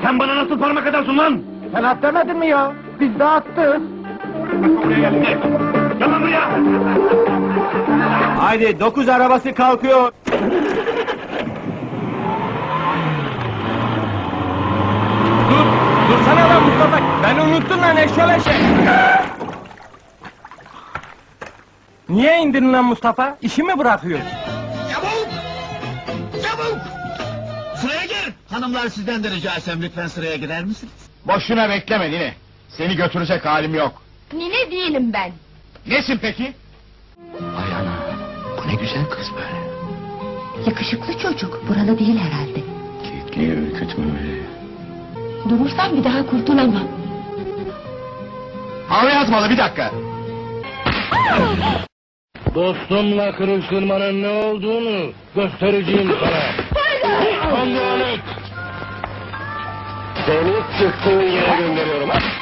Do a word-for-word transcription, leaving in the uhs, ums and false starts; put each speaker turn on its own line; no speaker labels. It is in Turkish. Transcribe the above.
Sen bana nasıl parmak atarsın lan?
Sen at demedin mi ya? Biz de attık.
Buraya geldi. Gel lan buraya.
Haydi dokuz arabası kalkıyor. Dur, dursana lan Mustafa. Ben unuttum lan eşyoleşe. Niye indirin lan Mustafa? İşi mi bırakıyorsun?
Çabuk! Çabuk! Sıraya gir! Hanımlar sizden de rica etsem lütfen sıraya girer misiniz?
Boşuna bekleme Nine. Seni götürecek halim yok.
Nine değilim ben.
Nesin peki?
Ay ana, bu ne güzel kız böyle.
Yakışıklı çocuk, buralı değil herhalde.
Kekliği ürkütme öyle.
Durursam bir daha kurtulamam.
Hava yazmalı bir dakika.
Dostumla kırıştırmanın ne olduğunu göstereceğim sana. Anlayanık. Seni çıktığın yere gönderiyorum ha.